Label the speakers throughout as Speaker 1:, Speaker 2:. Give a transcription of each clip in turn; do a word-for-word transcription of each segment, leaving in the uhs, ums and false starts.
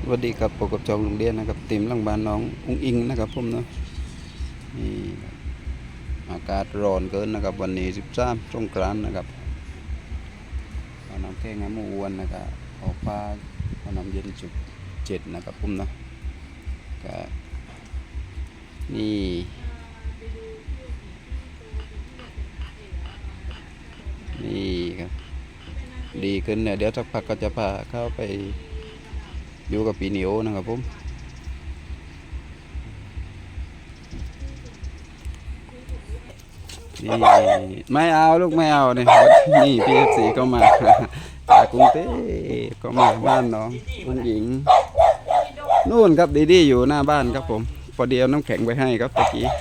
Speaker 1: สวัสดีครับปกบจองโรงเรียนนะครับติมหลังบ้านน้องอุ้งอิงนะครับผมเนาะนี่อากาศร้อนเกินนะครับวันนี้สิบสามสงกรานต์นะครับเอาน้ำแข็งน้ำมูวนนะครับออกปลาเอาน้ำเย็นจุดเจ็ดนะครับผมเนาะก็นี่นี่ครับดีขึ้นเนี่ยเดี๋ยวสักพักก็จะพาเข้าไปอยู่กับปีนิโอนะครับผมนี่ไม่เอาลูกไม่เอาเนี่ยนี่พีเอฟซีก็มาจากกรุงเทพก็มาบ้านน้องอุ้งหญิงนู่นครับดีดีอยู่หน้าบ้านครับผมพอเดียวน้ำแข็งไปให้ครับตะกี้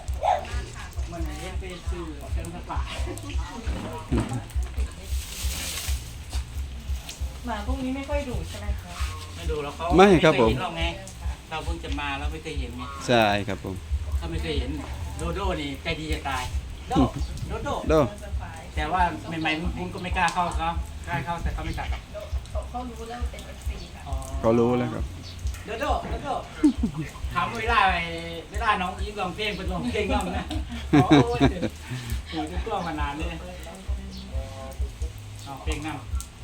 Speaker 2: หมาพวกนี้ไม่ค่อยดุใช่ไหมคะ
Speaker 3: ไม่ดูแล้วเขา
Speaker 1: ไม่ครับผม
Speaker 3: เห็นหรอกไงเราเพิ่งจะมาเราไม่เคยเห็นไง
Speaker 1: ใช่ครับผม
Speaker 3: เขาไม่เคยเห็นโดโด้นี่ใจดีจะตายโดโดโด
Speaker 1: โด
Speaker 3: แต่ว่าใหม่ๆมุ้งก็ไม่กล้าเข้าเขากล้าเข้าแต่เขาไม่กัดหรอก
Speaker 2: เขารู้แล้วเป็นเอฟซีค่ะ
Speaker 3: อ๋อ
Speaker 1: เขารู้แล้วครับ
Speaker 3: โดโดโดโดถามเวลาเวลาน้องยิ้มลองเพลงเป็นลองเพลงน้องนะโอ้ยอยู่ที่ตัวมานานเลยลองเพลงนั่ง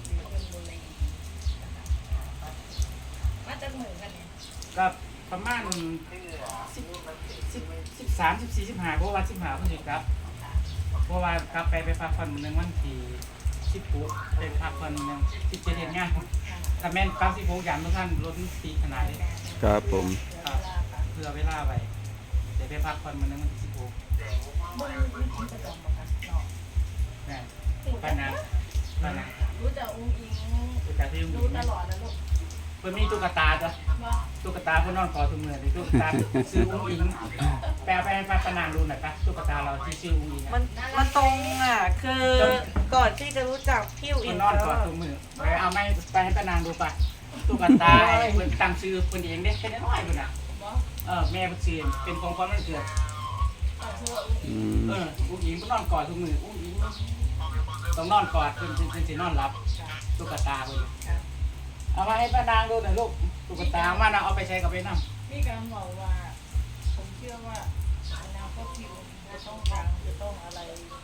Speaker 2: ว่าจะเหมือนกันเนี่ย
Speaker 3: ก็ประมาณสิบสิบสิบสามสิบสี่สิบห้าเพราะว่าสิบห้าเพิ่งจะกลับเพราะว่ากลับไปไปพักผ่อนหนึ่งวันที่สิบปุ๊บไปพักผ่อนหนึ่งสิบเจ็ดเดือนง่ายถ้าแม่นกลับสิบปุ๊บยันทุกท่านรถตีขนาดนี้
Speaker 1: ครับผม
Speaker 3: ครับเพื่อเวลาไปเดี๋ยวไปพักผ่อนมันนึงวันที่สิบปุ๊บ
Speaker 2: มึงมีกินประจำมาค่ะน้อง
Speaker 3: นี่ป้านาป้านา
Speaker 2: รู้จักอุ้งอิง
Speaker 3: ตุ๊กตาที่
Speaker 2: รู้ตลอดนะลูก
Speaker 3: เพิ่นมีตุ๊กตาจ้ะ
Speaker 2: ว่า
Speaker 3: ตุ๊กตาเพิ่นนอนกอดทุกมือเลยตุ๊กตาซื้ออุ้งอิงแปลไปให้ป้านาดูหน่อยปะตุ๊กตาเราที่ชื่ออุ้งอิง
Speaker 4: มันมันตรงอ่ะ คือก่อนที่จะรู้จักพี่อิ
Speaker 3: เพิ่
Speaker 4: น
Speaker 3: นนอนกอดทุกมือไปเอาไม่ไปให้ป้านางดูปะตุ๊กตาเพิ่นตั้งชื่อเพิ่นเองเด้เป็นน้อยๆพุ่นน่ะเออแม่เพิ่นชื่อเป็นของขวัญวันเกิด
Speaker 2: เอาเชื่ออุ้ง
Speaker 1: อื
Speaker 2: อิง
Speaker 1: ม
Speaker 3: เอออุ้งอิงเพิ่นนอนกอดทุกมืออุ้งอิงต้องนอนกอดเพิ่นเพิ่นเพิ่นสินอนหลับตุ๊กตาเพิ่นเอามาให้ป้านางดูหน่อยลูกตุ๊กตามานะเอาไปใช้กับไปนำ
Speaker 2: พี่การบอกว่า ผมเชื่อว่าอนาคตพี่อุ้งอิงจะต้องดังจะต้องอะไร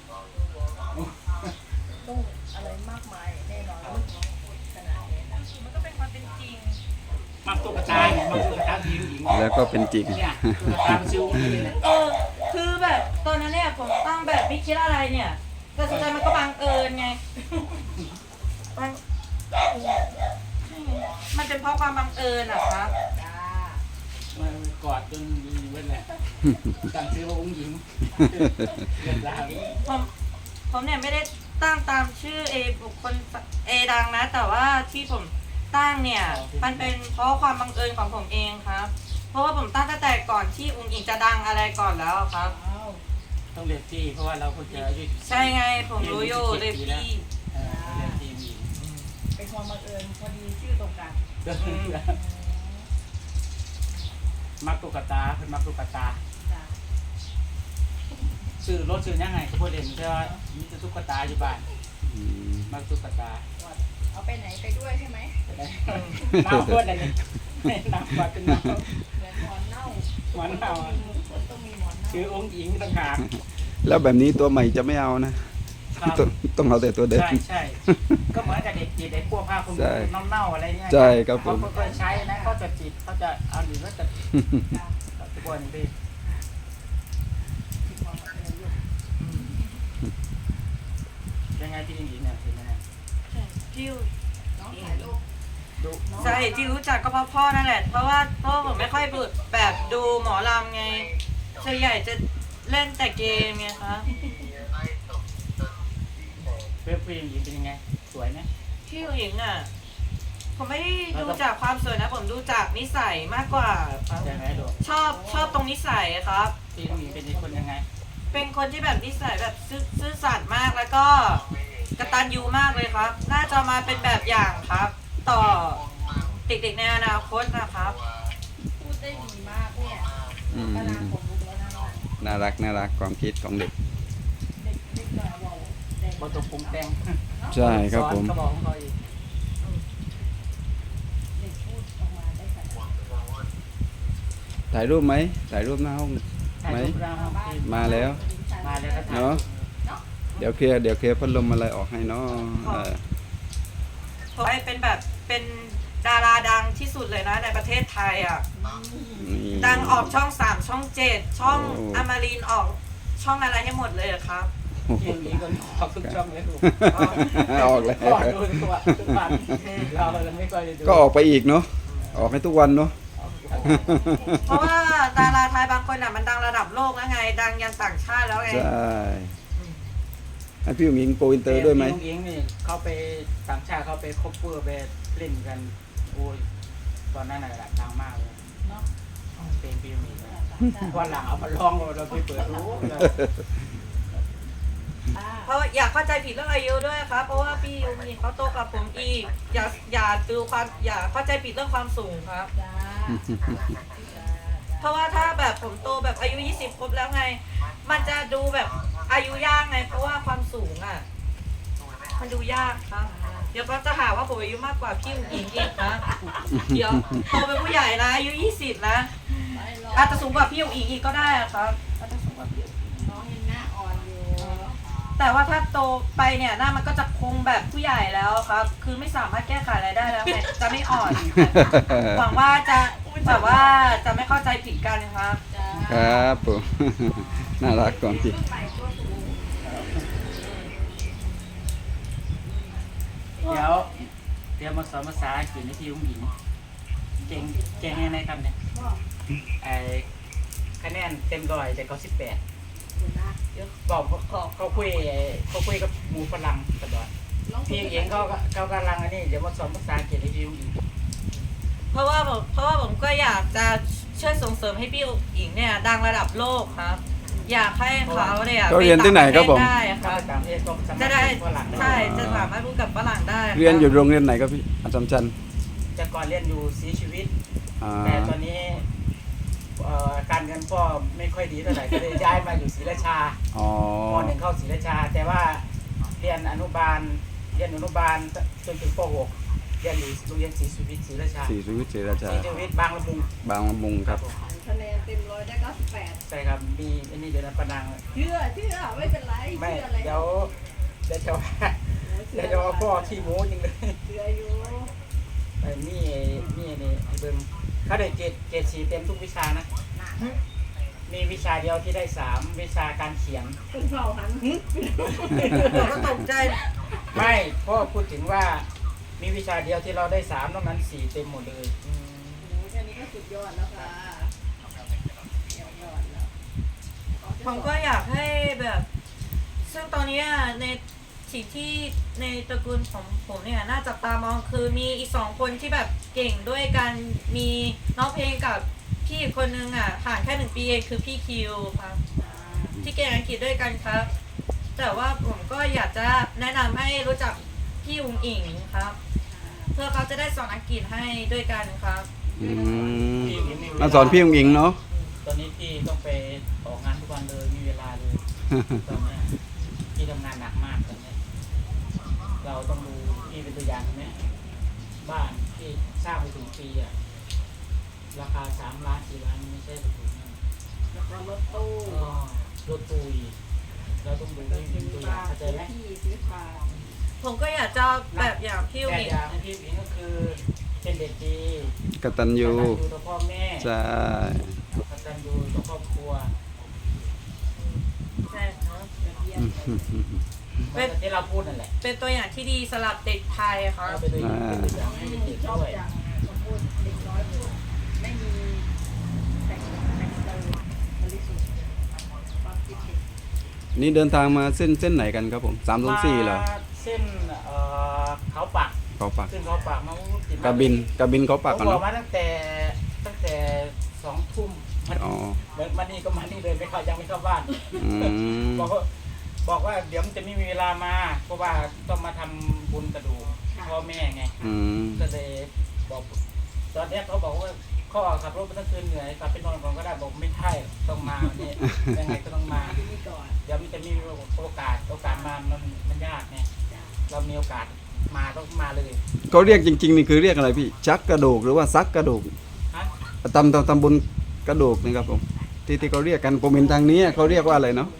Speaker 2: ต้องอะไรมากมายแน่นอนลูกน้องขนาดนี้นะมันก็เป็นความเป็นจริง
Speaker 3: มักตุ๊กตาเนี่ยมักตุ๊กตาที่อุ้งอิง
Speaker 1: แล้วก็เป็นจริง
Speaker 3: เนี่ยตุ๊กตามันชื่ออุ้งอิงเลย
Speaker 4: เออ คือแบบตอนนั้นเนี่ยผมตั้งแบบไม่คิดอะไรเนี่ย แต่สุดท้ายมันก็บังเอิญไงบังมันเป็นเพราะความบังเอิญอะครับ
Speaker 2: จ้า
Speaker 3: มันกอดจนดีเว้นแหละตั้งชื่อว่าอุ้งอิงเกิดราว
Speaker 4: ผมผมเนี่ยไม่ได้ตั้งตามชื่อเอบุคคลเอดังนะ แต่ว่าที่ผมตั้งเนี่ย มันเป็นเพราะความบังเอิญของผมเองครับ เพราะว่าผมตั้งตั้งแต่ก่อนที่อุ้งอิงจะดังอะไรก่อนแล้วครับ
Speaker 2: อ้าว
Speaker 3: ต้องเรียนที่เพราะว่าเราคนจะอายุ
Speaker 4: ใช่ไงผมรู้อยู่เลยพี่
Speaker 3: เอ่อเรียนที่มี
Speaker 2: เป็นความบังเอิญพอดีชื่อตรงกัน
Speaker 3: มักตุ๊กตาเป็นมักตุ๊กตา
Speaker 2: จ้า
Speaker 3: ชื่อรถชื่อยังไงก็พูดเด่นแค่ว่ามีแต่ตุ๊กตาอยู่บ้าน
Speaker 1: อืม
Speaker 3: มักตุ๊กตา
Speaker 2: เอาไปไหนไปด้วยใช่ไหม
Speaker 3: น้ำพูดอะไรเนี่ยน้ำมาเป็นน้
Speaker 2: เหมือนหมอนเน่า
Speaker 3: ำหวานเน่า
Speaker 2: มันต้องมีหมอนเน่า
Speaker 3: ชื่อองค์หญิงต่างหาก
Speaker 1: แล้วแบบนี้ตัวใหม่จะไม่เอานะครับ ต้องต้องเอาแต่ตัวเดิม
Speaker 3: ใช่ใช่ก็เหมือนกับเด็กจีบเด็กพวกผ้าคน
Speaker 1: ใช่
Speaker 3: น้ำเน่าอะไรเนี่ย
Speaker 1: ใช่ครับผม
Speaker 3: เขาก็เคยใช้นะเขาจะจีบเขาจะเอาหรือว่าจะทุกวันนี้ยังไงพี่หญิงเนี่ยเห็นไหมเนี่ย
Speaker 4: ที่
Speaker 2: น้องถ่ายรูป
Speaker 3: ดู
Speaker 4: ใช่ที่รู้จักก็เพราะพ่อนั่นแหละ เพราะว่าพ่อผมไม่ค่อยแบบดูหมอลำไงส่วนใหญ่จะเล่นแต่เกมไงคะ
Speaker 3: เพื่อนผู้หญิงเป็นยังไงสวยไหม
Speaker 4: พี่หญิงอ่ะ ผมไม่ได้ดูจากความสวยนะ ผมดูจากนิสัยมากกว่าครับ
Speaker 3: ใช่ไหมดู
Speaker 4: ชอบชอบตรงนิสัยครับ
Speaker 3: พี่หญิงเป็นคนยังไง
Speaker 4: เป็นคนที่แบบนิสัยแบบซื่อซื่อสัตย์มากแล้วก็กตัญญูมากเลยครับ น่าจะมาเป็นแบบอย่างครับ ต่อเด็กๆในอนาคตนะครับ
Speaker 2: พูดได้ดีมากเนี่ย
Speaker 1: อืม
Speaker 2: กำลังผมรู้แล้วนะว่า
Speaker 1: น่ารักน่ารักความคิดของเด็ก
Speaker 2: เด็กเด็กแบบว่าเด็ก
Speaker 3: บนตัวปรุงแต่ง
Speaker 1: ใช่ครับผม
Speaker 3: สอนเขาบอกของเขาอีก
Speaker 2: เด็กพูดออกมาได้
Speaker 1: ถ่ายรูปไหมถ่ายรูปหน้าห้อง
Speaker 3: ถ่าย
Speaker 1: ไหม
Speaker 3: รูปหน้าห้องที่
Speaker 1: มาแล้ว
Speaker 3: มาแล้วก็ถ่าย
Speaker 1: เนาะเดี๋ยวเคลียร์เดี๋ยวเคลียร์พัดลมอะไรออกให้เนาะเออ
Speaker 4: ผมให้เป็นแบบเป็นดาราดังที่สุดเลยนะในประเทศไทยอ่ะ
Speaker 1: นี่
Speaker 4: ดังออกช่องสามช่องเจ็ดช่อง
Speaker 1: โอ้
Speaker 4: อมรินทร์ออกช่องอะไรให้หมดเลยอะครับ
Speaker 3: เพียงนี้ก็ขอบทุกช่องเลยลูก
Speaker 1: ออกแล้ว
Speaker 3: ก็ดูตัวทุกวันเราเราไม่ค่อยได้ดู
Speaker 1: ก็ออกไปอีกเนาะออกให้ทุกวันเนาะ
Speaker 4: เพราะว่าดาราไทยบางคนอ่ะมันดังระดับโลกแล้วไง ดังยันต่างชาติแล้วไง
Speaker 1: ใช่ให้พี่หมิงโกอินเตอร์ด้วยไหม
Speaker 3: พี่ลุงอิงนี่เขาไปต่างชาติเขาไปคบเพื่อไปเล่นกันโอ้ยตอนนั้นน่ะดังมากเลย
Speaker 2: เนาะ
Speaker 3: เป็นพี่ลุงอิงวันหลังเอามาลองเราไปเปิดรู้
Speaker 2: อ่า
Speaker 4: เพราะอยากเข้าใจผิดเรื่องอายุด้วยครับ เพราะว่าพี่ยูมินเขาโตกว่าผมอีก อย่าอย่าดูความอย่าเข้าใจผิดเรื่องความสูงครับ
Speaker 2: จ้า
Speaker 4: เพราะว่าถ้าแบบผมโตแบบอายุยี่สิบครบแล้วไง มันจะดูแบบอายุยากไง เพราะว่าความสูงอ่ะ มันดูยากครับ เดี๋ยวก็จะหาว่าผมอายุมากกว่าพี่อุ๋งอิงอีกนะ เดี๋ยวโตเป็นผู้ใหญ่นะอายุยี่สิบนะ
Speaker 2: ไม่หรอก
Speaker 4: อาจจะสูงกว่าพี่อุ๋งอิงอีกก็ได้อะครับอาจจะสูงกว่าพี่อุ๋งอิง
Speaker 2: น้องยังหน้าอ่อนอยู่
Speaker 4: แต่ว่าถ้าโตไปเนี่ยหน้ามันก็จะคงแบบผู้ใหญ่แล้วครับ คือไม่สามารถแก้ไขอะไรได้แล้วไงจะไม่อ่อน หวังว่าจะแบบว่าจะไม่เข้าใจผิดกันนะครับ
Speaker 2: จ้า
Speaker 1: ครับผม น่ารักก่อนจริง
Speaker 3: เดี๋ยวเดี๋ยวมาสอนภาษาอังกฤษให้พี่ลุงอิงเก่งเก่งยังไงครับเนี่ยไอคะแนนเต็มร้อยแต่เขาสิบแปดบอกเขาเขาคุยเขาคุยกับหมูฝรั่งตลอดพี่เองเขาเขากำลังอันนี้เดี๋ยวมาสอนภาษาอังกฤษให้พี่ลุงอิง
Speaker 4: เพราะว่าผมเพราะว่าผมก็อยากจะช่วยส่งเสริมให้พี่อุ๋งอิงเนี่ยดังระดับโลกครับ อยากให้เขาเนี่ย
Speaker 1: เขาเรียนที่ไหนครับผม
Speaker 4: ปต่างปะเทศได้ค
Speaker 3: ถ้า
Speaker 4: รับ
Speaker 3: ไปต่างประเทศก็สามารถ
Speaker 4: จะได้
Speaker 3: พูฝรั่งได้
Speaker 4: ใช่จะสามารถพูดกับฝรั่งได้คบ
Speaker 1: เรียนอยู่โรงเรียนไหนครับพี่อาจารย์จันทร์
Speaker 3: แต่ก่อนเรียนอยู่สีชีวิต
Speaker 1: อ่า
Speaker 3: แต่ตอนนี้เอ่อการเงินพ่อไม่ค่อยดีเท่าไหร่ก็เลยย้ายมาอยู่ศรีราชา
Speaker 1: อ๋อ
Speaker 3: มหนึ่งเข้าศรีราชา แต่ว่าเรียนอนุบาลเรียนอนุบาลจนถึงป .หก เรียนอยู่โรงเรียนศรีชีวิตศรีราชา
Speaker 1: สีสุวิทย์ศรีราชา
Speaker 3: ศรีชีวิตบางละมุง
Speaker 1: บางละมุงครับ
Speaker 3: ผม
Speaker 2: คะแนนเต็มร้อยได้เก้าสิบแปด
Speaker 3: ใช่ครับมีอันนี้เดี๋ยวนะประนัง
Speaker 2: เชื่อเชื่อไม่เป็นไร
Speaker 3: ไม่
Speaker 2: เชื่ออะไร
Speaker 3: เดี๋ยวเดี๋ยวจะว่าเดี๋ยวจะว่าพ่อขี้โม้จริงเลย
Speaker 2: เชื่ออยู่
Speaker 3: ไอ้นี่นี่นี่ไอ้เบิ้งเขาได้เกรดเกรดสีเต็มทุกวิชานะ มีวิชาเดียวที่ได้สามวิชาการเขียน
Speaker 2: คุณเผาหัน
Speaker 4: ผมก็ตกใจ
Speaker 3: ไม่พ่อพูดถึงว่ามีวิชาเดียวที่เราได้สามนอกนั้นสี่เต็มหมดเลย
Speaker 2: โอ้แค่นี้ก็สุดยอดแล้วค่ะยอดแล้ว
Speaker 4: ผมก็อยากให้แบบ ซึ่งตอนเนี้ยในสิ่งที่ในตระกูลของผมเนี่ยน่าจับตามองคือมีอีกสองคนที่แบบเก่งด้วยกันมีน้องเพลงกับพี่อีกคนนึงอ่ะห่างแค่หนึ่งปีเองคือพี่คิวครับ ที่เก่งอังกฤษด้วยกันครับ แต่ว่าผมก็อยากจะแนะนำให้รู้จักพี่อุ๋งอิงครับ เพื่อเขาจะได้สอนอังกฤษให้ด้วยกันครับ
Speaker 1: อืมมาสอนพี่อุ๋งอิงเนาะ
Speaker 3: ตอนนี้พี่ต้องไปออกงานทุกวันเลยมีเวลาเลยตอนเนี้ยพี่ทำงานหนักมากตอนเนี้ยเราต้องดูพี่เป็นตัวอย่างใช่ไหมบ้านที่สร้างไปถึงปีอะราคาสามล้านสี่ล้านไม่ใช่ถูกๆนะ
Speaker 2: แล้วก็รถตู้
Speaker 3: ก็รถตู้อีกเราต้องดูพี่เป็นตัวอย่างเข้าใจไหม
Speaker 2: ที่ซื้อฟ้า
Speaker 4: ผมก็อยากจะแบบอย่างพี่อุ๋ง
Speaker 3: แต่
Speaker 4: อิง
Speaker 3: อย่างที่พี่ก็คือเป็นเด็กดี
Speaker 1: กตัญญู
Speaker 3: กตัญญูต่อพ่อแม่
Speaker 1: ใช่
Speaker 3: กตัญญูต่อครอบครัว
Speaker 4: ใช่ครับ
Speaker 2: เยี่ยมเลย
Speaker 3: เหมือนที่เราพูดนั่นแหละ
Speaker 4: เป็นตัวอย่างที่ดีสำหรับเด็กไทยครับ
Speaker 3: เราเป็นตัวอย่างเป็นตัวอย่างให้เด็ก
Speaker 2: ชอบ
Speaker 3: ด้วย
Speaker 2: จังสมบูรณ์เด็กน้อยพูดไม่มีแต่งแต่งเติมบริสุทธิ์ความคิดเด็ก
Speaker 1: นี่เดินทางมาเส้นเส้นไหนกันครับผมสามสองสี่เหรอ
Speaker 3: มาเส้นเอ่อเขาปัก
Speaker 1: เขาปัก
Speaker 3: ขึ้นเขาปักมาติด
Speaker 1: กระบินกระบินเขาปัก
Speaker 3: ผ
Speaker 1: กั
Speaker 3: ม
Speaker 1: น
Speaker 3: บอ
Speaker 1: เนาะ
Speaker 3: กมาตั้งแต่ตั้งแต่สองทุ่มมัน
Speaker 1: อ๋อ
Speaker 3: เหมือนมานี่ก็มานี่เลยไม่เข้ายังไม่เข้าบ้าน
Speaker 1: อืม
Speaker 3: บอกว่าบอกว่าเดี๋ยวมันจะไม่มีเวลามาเพราะว่าต้องมาทำบุญกระดูกพ่อแม่ไง
Speaker 1: อืม
Speaker 3: ก็เลยบอกตอนแรกเขาบอกว่าข้อขับรถมาตั้งคืนเหนื่อยกลับไปนอนก่อนก็ได้บอกไม่ใช่ต้องมาเนี่ยยังไงก็ต้องมา
Speaker 2: ที่นี่ก่อน
Speaker 3: เดี๋ยวมันจะมีโอกาสโอกาสมามันมันยากไงเรามีโอกาสมาต้องมาเลย
Speaker 1: เขาเรียกจริงๆนี่คือเรียกอะไรพี่ชักกระดูกหรือว่าซักกระดูก
Speaker 3: ฮะ
Speaker 1: ตำตำตำบุญกระดูกนี่ครับผมที่ที่เขาเรียกกันผมเห็นทางนี้เขาเรียกว่าอะไรเนาะ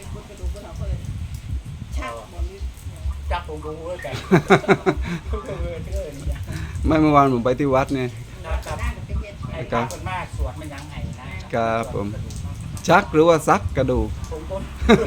Speaker 2: ชักบนนี้
Speaker 3: จับผมรู้ว่ากันทุกคนเลยเชื่อนี่
Speaker 1: ไม่เมื่อวานผมไปที่วัดเนี่ย
Speaker 3: นะครับ
Speaker 2: ด้านกับเป็นเย็น
Speaker 3: ไอ้ข้าวคนมากสวดมันยังไงนะครับ
Speaker 1: ผม ชักหรือว่าซักกระดูก
Speaker 3: ผมก็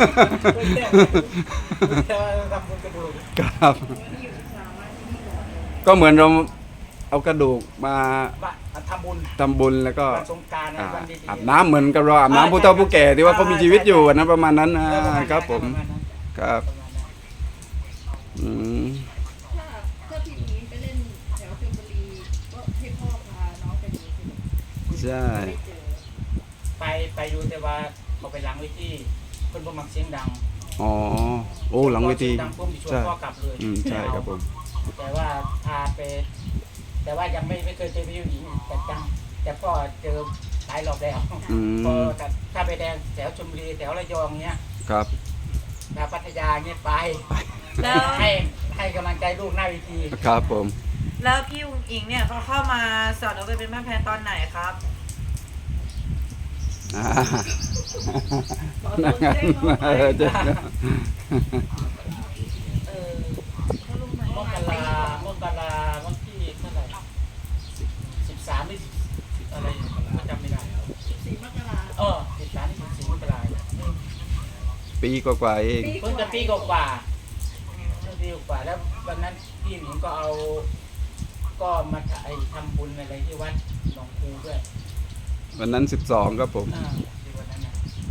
Speaker 3: แต่ว่าทำบุญกระดูก
Speaker 1: ครับ
Speaker 2: ที่อยู่ที่สามารถที่นี่เหรอ
Speaker 1: ก็เหมือนเราเอากระดูกมา
Speaker 3: ว่าทำบุญ
Speaker 1: ทำบุญแล้วก็
Speaker 3: วันสงกรานต์
Speaker 1: อ่า
Speaker 3: วันดีๆ
Speaker 1: อาบน้ำเหมือนกับเราอาบน้ำผู้เฒ่าผู้แก่ที่ว่าเขามีชีวิตอยู่นะประมาณนั้นอ่า
Speaker 3: แล้วปะาณ
Speaker 1: ครับผม
Speaker 3: ประาณนั้น
Speaker 1: ครับ
Speaker 3: ประมาณนั้น
Speaker 1: อืม
Speaker 2: ถ้าถ้าพี่หมีไปเล่นแถวชลบุรีก็ให้พ่อพาน้องไปดูสิ
Speaker 1: ใช่
Speaker 2: ได้เจอ
Speaker 3: ไปไปดูแต่ว่าเขาไปล้างไว้ที่เพิ่นบ่มักเสียงดัง
Speaker 1: อ๋อโอ้หลังเวที
Speaker 3: พอสียดังปุ๊บชวน
Speaker 1: ใช่
Speaker 3: พ่อกลับเลย
Speaker 1: อืมใช่ครับผม
Speaker 3: แต่ว่าพาไป แต่ว่ายังไม่ไม่เคยเจอพี่หญิงแต่จังแต่พ่อเจอหลายรอบแล้ว
Speaker 1: อื
Speaker 3: พอ
Speaker 1: ม
Speaker 3: กับถ้าไปแดงแถวชลบุรีแถวระยองเนี้ย
Speaker 1: ครับ
Speaker 3: แถวพัทยาเนี้ยไป
Speaker 4: แล้ว
Speaker 3: ให้ให้กำลังใจลูกหน้าเวที
Speaker 1: ครับผม
Speaker 4: แล้วพี่อุ๋งอิงเนี่ยเขาเข้ามาสอนเอาไปเป็นแม่แพนตอนไหนครับ
Speaker 1: อ่า
Speaker 2: ขอตัวเล่นน้องไป
Speaker 1: เออเจ๊
Speaker 3: เออ
Speaker 2: เขาลงมาม
Speaker 3: กรามกราวันที่เท่าไหร่สิบสามหรือสิบอะไรจำไม่ได้
Speaker 2: สิบสี่มกรา
Speaker 3: เออสิบสามสิบสี่มกราอืม
Speaker 1: ปีกว่าๆเอง
Speaker 3: เพิ่งจะปีกว่าๆเพิ่งปีกว่าแล้ววันนั้นพี่หนิงก็เอาก็มาถ่ายทำบุญอะไรที่วัดหนองคูด้วย
Speaker 1: วันนั้นสิบสองครับผม
Speaker 3: อ่าที่วันนั้นนะ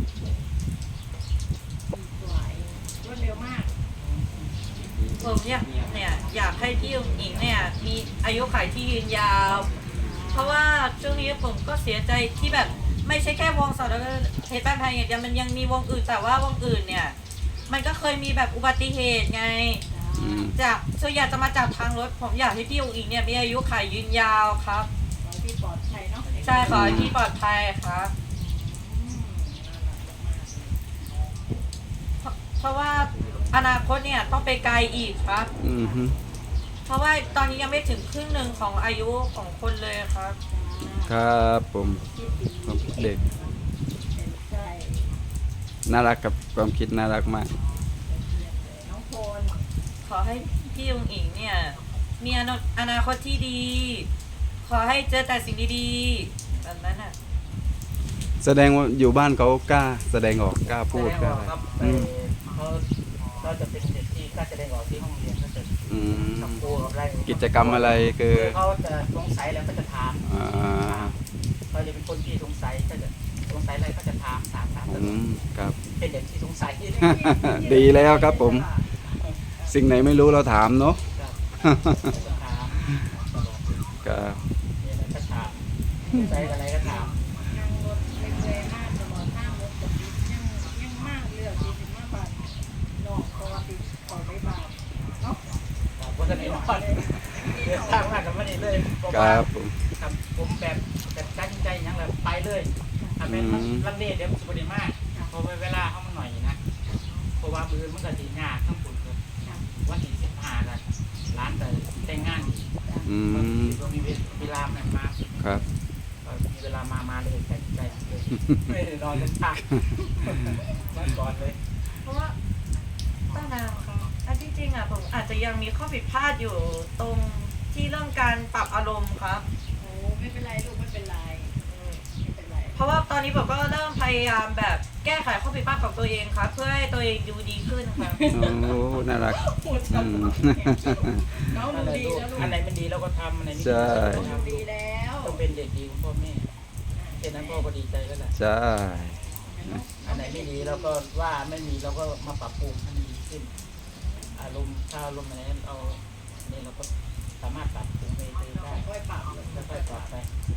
Speaker 2: สวยรวดเร็วมาก
Speaker 4: ผมอยากเนี่ยอยากให้พี่อุ๋งอิงเนี่ยมีอายุขัยที่ยืนยาว เพราะว่าช่วงนี้ผมก็เสียใจที่แบบไม่ใช่แค่วงสอดเพชรบ้านไทยอย่างเดียวมันยังมีวงอื่นแต่ว่าวงอื่นเนี่ย มันก็เคยมีแบบอุบัติเหตุไง
Speaker 1: อืม
Speaker 4: จากส่วนใหญ่จะมาจากทางรถ ผมอยากให้พี่อุ๋งอิงเนี่ยมีอายุขัยยืนยาวครับ
Speaker 2: ขอให้พี่ปลอดภัยเนาะ
Speaker 4: ใช่ขอให้พี่ปลอดภัยครับ
Speaker 2: อืมน่ารักมากเลย
Speaker 4: เพราะเพราะว่าอนาคตเนี่ยต้องไปไกลอีกครับ
Speaker 1: อืมฮึ
Speaker 4: เพราะว่าตอนนี้ยังไม่ถึงครึ่งหนึ่งของอายุของคนเลยครับ
Speaker 1: ครับผม
Speaker 2: คิดดี
Speaker 1: ความคิดเด็ก
Speaker 2: เป็นใจ
Speaker 1: น่ารักกับความคิดน่ารักมาก
Speaker 2: น้องโพน
Speaker 4: ขอให้พี่อุ๋งอิงเนี่ยมีอนาอนาคตที่ดี ขอให้เจอแต่สิ่งดีๆแบบนั้นอ่ะ
Speaker 1: แสดงว่าอยู่บ้านเขากล้า แสดงออกกล้าพูด
Speaker 3: แส
Speaker 1: ก
Speaker 3: ด
Speaker 1: ล้าง
Speaker 3: ออกครับ
Speaker 1: อืม
Speaker 3: เขาเขาจะเป็นเด็กที่กล้าแสดงออกที่ห้องเรียนก็จะ
Speaker 1: อืม
Speaker 3: กับครูกับอะไร
Speaker 1: กิจกรรมอะไรคือ
Speaker 3: เขาจะสงสัยแล้วก็จะถาม
Speaker 1: อ่า
Speaker 3: เขาจะเป็นคนที่สงสัยก็จะสงสัยอะไรก็จะถามถามถามต
Speaker 1: อื
Speaker 3: ลอด
Speaker 1: มครับ
Speaker 3: เป็นเด็กที่สงสัยที่
Speaker 1: ดีแล้วครับผม สิ่งไหนไม่รู้เราถามเนาะ
Speaker 3: จะถามตลอด
Speaker 1: ครับ
Speaker 3: มีอะไรก็ถามสงสัยอะไรก็ถาม
Speaker 2: นั่งรถเรื่อยๆมากตลอดห้างรถกับดิยังยังมากเลือกดีถึงมากบาทนอกเพราะว่าติดขอได้บาทเนาะ
Speaker 3: ครับเพราะฉะนั้นนอนเดินทางมากกับมันนี่เลยเพราะ
Speaker 1: ค
Speaker 3: ว่า
Speaker 1: รับผม
Speaker 3: ทำผมแบบแบบตั้งใจอยังแบบไปเลยทำเป็นลังเลเดี๋ยวมันจะบริมากเพราะว่าเวลาเขามันหน่อยนะเพราะว่ามือมันก็สีหน้าทั้งปุ่นเลยวันที่สิบห้ากันร้านแต่แต่งงานอีก
Speaker 1: อื
Speaker 3: บาง
Speaker 1: ม
Speaker 3: ทีก็มีเวลาแม่มา
Speaker 1: ครับ
Speaker 3: ก็มีเวลามามาเลยแต่ใจเลยไม่ได้นอนกันพักมาก่อนเลย
Speaker 4: เพราะว่าต้านางครับอันที่จริงอ่ะผมอาจจะยังมีข้อผิดพลาดอยู่ตรงที่เรื่องการปรับอารมณ์ครับ
Speaker 2: โอ้ไม่เป็นไรลูกไม่เป็นไรไม่เป็นไร
Speaker 4: เพราะว่าตอนนี้ผมก็เริ่มพยายามแบบแก้ไขข้อผิดพลาดของตัวเองครับ เพื่อให้ตัวเองดูดีขึ้นครับ
Speaker 1: โอ้น่ารัก
Speaker 2: พูด
Speaker 1: อื
Speaker 2: ซ้ำ
Speaker 1: ม
Speaker 2: น้อง
Speaker 3: อัน
Speaker 2: ดู
Speaker 3: ไหน
Speaker 2: ดี
Speaker 3: ลูก
Speaker 2: แล้วลูก
Speaker 3: อันไหนมันดีเราก็ทำอันไหนไม่
Speaker 1: ใช่
Speaker 3: ดีเราก็
Speaker 2: ดู
Speaker 3: ทำ
Speaker 2: ดีแล้ว
Speaker 3: ต้องเป็นเด็กดีของพ่อแม่แค่นั้นพ่อก็ดีใจแล้วแหละ
Speaker 1: ใช่
Speaker 3: อันไหนไม่ดีเราก็ว่าไม่มีเราก็มาปรับปรุงให้มันดีขึ้น อารมณ์ถ้าอารมณ์อะไรนั้นเอาเนี่ยเราก็สามารถปรับปรุงไปได้
Speaker 2: ค่อยปรับเลย
Speaker 3: แล้วค่อยปรับไป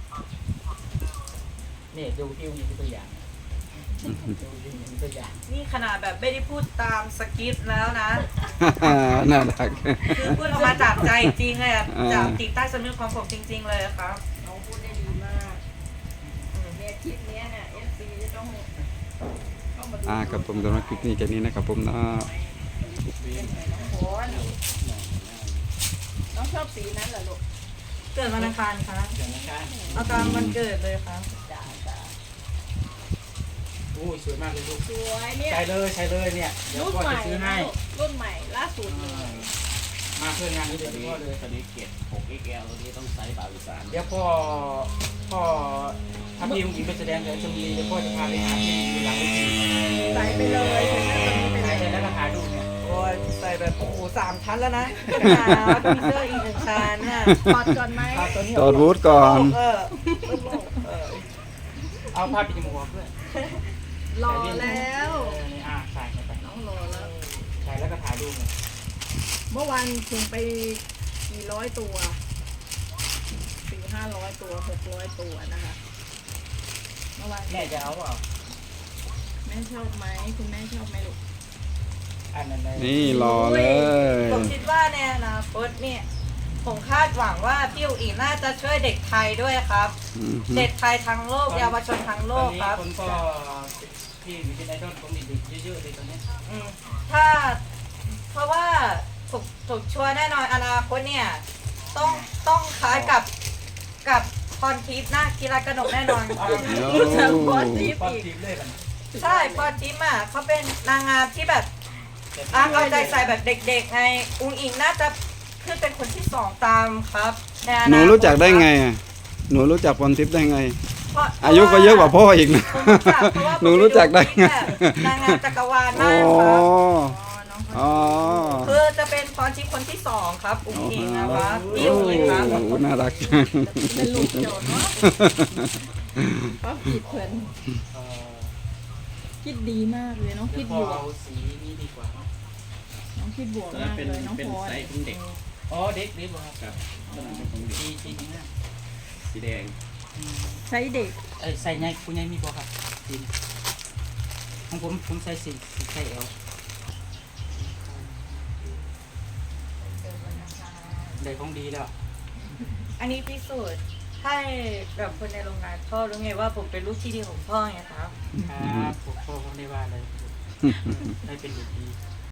Speaker 3: เนี่ยดูที่มีตัวอย่างดูที่มีตัวอย่าง
Speaker 4: นี่ขนาดแบบไม่ได้พูดตามสคริปต์แล้วนะ
Speaker 1: น่ารัก
Speaker 4: คือพูดออกมาจากใจจริงเลยอะ
Speaker 1: อ่า
Speaker 4: จากจิตใต้สำนึกของผมจริง ๆ เลยครับ
Speaker 2: น้องพูดได้ดีมากเนี่ยคลิปเนี้ยเนี่ยเอฟซีจะต้องต้องมาดู
Speaker 1: อ่าครับผมสำหรับคลิปนี้แค่นี้นะครับผมเนาะ
Speaker 2: เป็นไงน้องโพนน้องชอบสีนั้นเหรอลูก
Speaker 4: เกิดวันอังคารครับ
Speaker 3: อย่างนี้ครับ
Speaker 4: เอาตามวันเกิดเลยครับ
Speaker 2: จ้าจ้า
Speaker 3: โอ้ยสวยมากเลยลูก
Speaker 2: สวยเนี่ย
Speaker 3: ใช้เลยใช้เลยเนี่ยเดี๋ยว
Speaker 2: รุ่น
Speaker 3: พ่อ
Speaker 2: ให
Speaker 3: จะ
Speaker 2: ม่
Speaker 3: ซื้อให้
Speaker 2: รุ่นใหม่ล่าสุดเลย
Speaker 3: มาเพื่องานนี้
Speaker 5: ตั
Speaker 3: เดี๋ยว ว
Speaker 5: นี้
Speaker 3: พ่อเลย
Speaker 5: ตัวนี้เกรด หก เอ็กซ์ แอล ตัวนี้ต้องไซส์บาวิสาน
Speaker 3: เดี๋ยวพ่อพ่อถ้าพี่อุ้งอิงไปแสดงเดี๋ยวจะมีเดี๋ยวพ่อจะพาไปหาที่อยู่หลังเวที
Speaker 2: ใส่ไปเลยถึงหน้าตรงนี้ไป
Speaker 3: ถ่าย
Speaker 2: เล
Speaker 3: เสร็จ
Speaker 2: ย
Speaker 3: แล้วก็ถ่ายรูปเนี่ย
Speaker 4: โอ้ยใส่แบบโอ้โหสามชั้นแล้วนะหาพีเซอร์อีกหนึ่งชั้นน่ะ
Speaker 2: ถอดก่อนไหม
Speaker 3: เอาตัวนี้
Speaker 1: ตอดวูดก่อน
Speaker 4: เออ
Speaker 3: เออเอาผ้าปิดจมูกออกด้วย
Speaker 2: รอแล้ว
Speaker 3: เออนี่อ่ะใส่เข้าไป
Speaker 2: น้องรอแล้ว
Speaker 3: ใส่แล้วก็ถ่ายรูปเนี่ย
Speaker 2: เมื่อวานถึงไปกี่ร้อยตัวสี่ห้าร้อยตัวหกร้อยตัวนะคะเมื่อวาน
Speaker 3: แม่จะเอาเปล่า
Speaker 2: แม่ชอบไหมคุณแม่ชอบไหมลูก
Speaker 3: อันนั้นเลย
Speaker 1: นี่รอเลย
Speaker 4: ผมคิดว่าในอนาคตเนี่ยผมคาดหวังว่าพี่อุ๋งอิงน่าจะช่วยเด็กไทยด้วยครับ
Speaker 1: อืม
Speaker 4: เด็กไทยทั้งโลกเยาวชนทั้งโล
Speaker 3: ตอน
Speaker 4: ก
Speaker 3: นี้
Speaker 4: ครับ
Speaker 3: คนก็พี่มีเป็นไอดอลของเด็กๆเยอะๆเลยตอนนี้
Speaker 4: อืมถ้าเพราะว่าถูกถูกชัวร์แน่นอนอนาคตเนี่ยต้องต้องคล้ายกับกับพรทิพย์หน้ากีฬากระหนกแน่นอนครับ
Speaker 1: โอ้
Speaker 2: จะพอทิป
Speaker 3: ป้อน
Speaker 2: อีก
Speaker 3: ทีมเลยกัน
Speaker 4: ใช่พรทิพย์อ่ะเขาเป็นนางงามที่แบบอ่ะเอาใจใส่แบบเด็กๆไงอุ๋งอิงน่าจะขึ้นเป็นคนที่สองตามครับในอนาคต
Speaker 1: หนูรู้จักได้ไงอ่ะหนูรู้จักพรทิพย์ได้ไง
Speaker 4: เพราะ
Speaker 1: อายุก็เยอะกว่าพ่ออีกนะ
Speaker 4: ผมรู้จักเพราะว่าผม
Speaker 1: หนูรู้จักได้ไง
Speaker 4: แบบนางงามจักรวาล
Speaker 1: อ๋
Speaker 4: มา
Speaker 1: อก
Speaker 4: ครับ
Speaker 2: อ๋อน้องเขา
Speaker 1: อ๋อ
Speaker 4: คือจะเป็นพรทิพย์คนที่สองครับอุ๋งอิงนะครับ
Speaker 1: โอ้
Speaker 4: พี่อุ๋งอิงครับ
Speaker 1: โหน่ารักจัง
Speaker 2: เป็นลูกโจทย์เนาะก็ผิดเพื่อน
Speaker 3: เออ
Speaker 2: คิดดีมากเลยน้อง
Speaker 3: เดี๋
Speaker 2: คิ
Speaker 3: ย
Speaker 2: ด
Speaker 3: วพ่อบ
Speaker 2: วก
Speaker 3: เอาสีนี้ดีกว่า
Speaker 2: น้องคิดบวก
Speaker 5: ตัวนั้
Speaker 2: มาน ก
Speaker 5: เป็น
Speaker 2: เลยน้อง
Speaker 5: เป็น
Speaker 2: พร
Speaker 5: ไซส์ของเด็ก
Speaker 3: อ๋อเด็กเด็กบ่ครับ
Speaker 5: ครับตัวนั้นเป็นของเด็ก
Speaker 3: สีสีนี้นะ
Speaker 5: สีแดง
Speaker 3: อืม
Speaker 2: ใช้เด็ก
Speaker 3: เอ้ยใส่ไงคุณยายมีบ่ครับสีนี้ของผมผมใส่สีสีใส่เอลได้ของดีแล้ว
Speaker 4: อันนี้พิสูจน์ให้แบบคนในโรงงานพ่อรู้ไงว่าผมเป็นลูกที่ดีของพ่อไงครับ
Speaker 3: ครับผมพ่อผมได้ว่าเลยได้เป็นเด็กดี